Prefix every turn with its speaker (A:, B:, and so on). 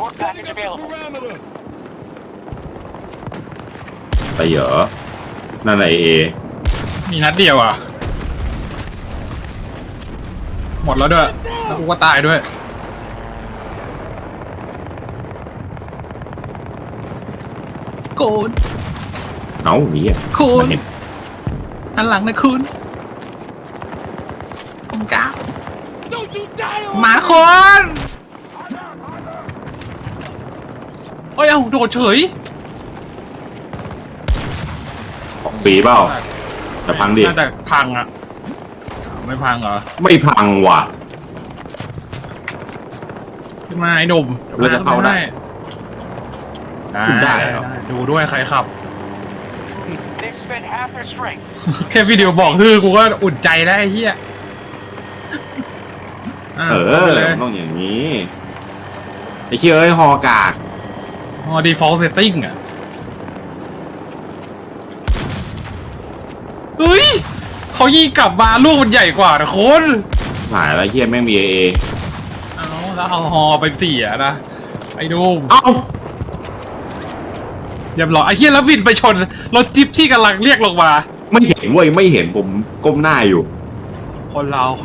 A: Support package available.
B: ไปเหรอนั่นไอเอ
C: มีนัดเดียวอ่ะหมดแล้วด้วยแล้วกูก็ตายด้วยโกน
B: เอ้าหนีอ่ะ
C: คุณ
B: มันเห็น
C: อันหลังนะคุณผมกล้าหมาคนเอ้ยเอ้าโดดเฉย
B: ของปีเปล่าแต่พังดิ
C: น่าจะพังอ่ะไม่พังเหรอ
B: ไม่พังว่ะ
C: ขึ้นมาไอ้หนุ่ม
B: แล้วจะเข้าได้ ขึ้นได้เหรอ
C: ดูด้วยใครขับ
A: They've spent half their strength.
C: แค่วิดีโอบอกคือกูก็อุ่นใจได้ไอ้เฮีย
B: เออต้องอย่างนี้ไอ้เชี่ยเอ้ยฮอกาก
C: พอ default setting อ่ะเฮ้ยเขายิงกลับมาลูกมันใหญ่กว่านะคน
B: หายแล้วเชี่ยแม่งมีเอ
C: เอาแล้วเอาฮอไปเสียนะไอ้ดูม
B: เอ้า
C: เรียบร้อยไอ้เฮียแล้วบินไปชนรถจิ๊บที่กำลังเรียกลงมา
B: ไม่เห็นเว้ยไม่เห็นผมก้มหน้าอยู่
C: คนเรา